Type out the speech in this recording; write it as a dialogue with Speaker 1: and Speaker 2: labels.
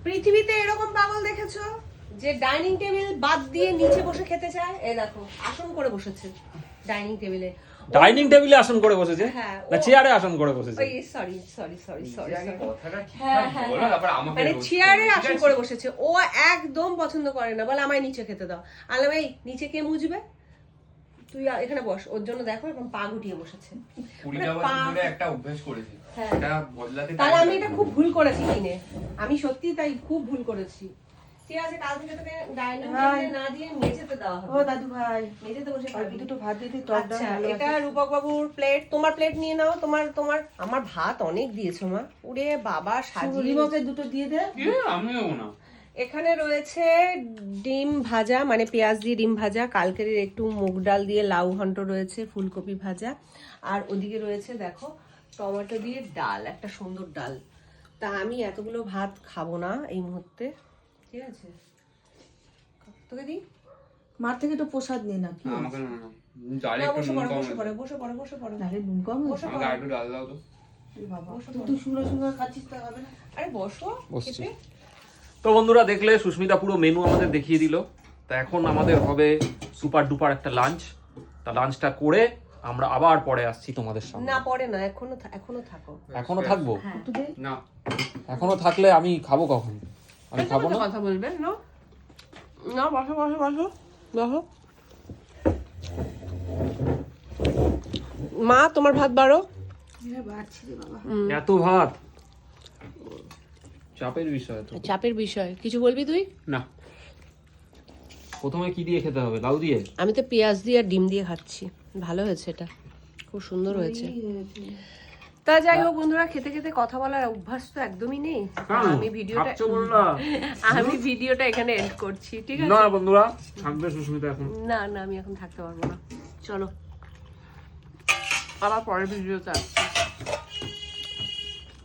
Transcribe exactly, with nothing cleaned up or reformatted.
Speaker 1: পৃথিবীতে এরকম পাগল দেখেছো যে ডাইনিং টেবিল বাদ দিয়ে নিচে বসে খেতে চায়? এই দেখো আসন করে বসেছে ডাইনিং টেবিলে।
Speaker 2: ডাইনিং টেবিলে আসন করে বসেছে
Speaker 1: হ্যাঁ,
Speaker 2: না চেয়ারে আসন করে বসেছে?
Speaker 1: ওই সরি সরি সরি সরি
Speaker 3: কথাটা
Speaker 1: হ্যাঁ হ্যাঁ
Speaker 3: বলো তারপর আমাকে
Speaker 1: মানে
Speaker 3: রোজ
Speaker 1: চেয়ারে
Speaker 3: করো, ঠিক
Speaker 1: আসন
Speaker 3: আছে?
Speaker 1: করে বসেছে। ও একদম পছন্দ করে না, বলে আমায় নিচে খেতে দাও। আলাম এই নিচে কে মুজবে, তুই এখানে বস। ওর জন্য দেখো এরকম পা গুটিয়ে বসেছে।
Speaker 3: কুড়িটা বছর ধরে একটা অভ্যাস করেছি,
Speaker 1: হ্যাঁ।
Speaker 3: এটা বদলাতে
Speaker 1: তাহলে
Speaker 3: time
Speaker 1: আমি
Speaker 3: লাগে।
Speaker 1: এটা খুব ভুল করেছি কিনে, আমি সত্যি তাই খুব ভুল করেছি। ঠিক আছে, কাল থেকে তোকে ডাইনিং টেবিলে না দিয়ে মেঝেতে দেওয়া হবে।
Speaker 4: ও দাদু ভাই,
Speaker 1: মেঝেতে বসে
Speaker 4: অল্প
Speaker 1: খাবি।
Speaker 4: দুটো ভাত দিয়ে দিই, টক ডাল
Speaker 1: আচ্ছা,
Speaker 4: ভালো
Speaker 1: এটা
Speaker 4: আছে।
Speaker 1: রূপক বাবুর প্লেট। তোমার প্লেট নিয়ে নাও। তোমার তোমার আমার ভাত অনেক দিয়েছো মা। ওরে বাবা সাজিয়ে।
Speaker 4: রিবকের দুটো দিয়ে দে।
Speaker 3: কি আমি নেবো না।
Speaker 1: এখানে রয়েছে ডিম ভাজা, মানে পেঁয়াজ দিয়ে ডিম ভাজা, কালকের একটু মুগ ডাল দিয়ে লাউ ঘন্ট রয়েছে, ফুলকপি ভাজা, আর ওদিকে রয়েছে দেখো টমেটো দিয়ে ডাল, একটা সুন্দর ডাল। তা আমি এতগুলো ভাত খাবো না এই মুহূর্তে, ঠিক আছে? তোকে দিই?
Speaker 4: মার থেকে একটু প্রসাদ নিয়ে না কি?
Speaker 3: না, আমাকে না না ডালে
Speaker 1: না,
Speaker 3: একটু
Speaker 1: বসে
Speaker 3: নুন
Speaker 1: পড়ো
Speaker 3: কম
Speaker 1: বসে
Speaker 3: আছে।
Speaker 1: পড়ো বসে পড়ো বসে পড়ো।
Speaker 4: তাহলে নুন কম হয়েছে?
Speaker 1: বসে
Speaker 3: আমাকে
Speaker 1: পড়ো।
Speaker 3: আর একটু ডাল দাও তো।
Speaker 4: এ বাবা,
Speaker 1: বসো,
Speaker 4: তুই
Speaker 1: বসো।
Speaker 4: তুই সুন্দর সুন্দর খাচ্ছিস তো হবে না?
Speaker 1: আরে বসো
Speaker 2: বসছি।
Speaker 1: খেতে।
Speaker 2: তো বন্ধুরা দেখলে সুস্মিতা পুরো মেনু আমাদের দেখিয়ে দিল। তা এখন আমাদের হবে সুপার ডুপার একটা লাঞ্চ। তা লাঞ্চটা করে আমরা আবার পরে আসছি তোমাদের সামনে।
Speaker 1: না পরে না, এখনো থা- এখনো থাকো।
Speaker 2: এখনো থাকবো?
Speaker 1: হ্যাঁ
Speaker 4: একটু দে।
Speaker 3: না
Speaker 2: এখনো থাকলে আমি খাবো কখন? আমি খাবো না।
Speaker 1: কথা বলবেন না না, বসো বসো বসো বসো। মা তোমার ভাত বাড়ো।
Speaker 4: হ্যাঁ, বাড়ছি রে বাবা।
Speaker 2: এত ভাত চাপের বিষয় তো।
Speaker 1: চাপের বিষয়, কিছু বলবি তুই?
Speaker 2: না, প্রথমে কি দিয়ে খেতে হবে? লাউ দিয়ে?
Speaker 1: আমি তো পেঁয়াজ দিয়ে আর ডিম দিয়ে খাচ্ছি। ভালো হয়েছে, এটা খুব সুন্দর হয়েছে।
Speaker 4: এই হয়েছে।
Speaker 1: তা যাই হোক বন্ধুরা, খেতে খেতে কথা বলার অভ্যাস তো একদমই নেই। আমি ভিডিওটা
Speaker 2: ভাবছো বললা?
Speaker 1: আমি ভিডিওটা এখানে এন্ড করছি, ঠিক আছে?
Speaker 2: না বন্ধুরা, থাকবে সুস্মিতা এখন।
Speaker 1: না না, আমি এখন থাকতে পারবো না। চলো আবার পরের ভিডিওতে আসছি।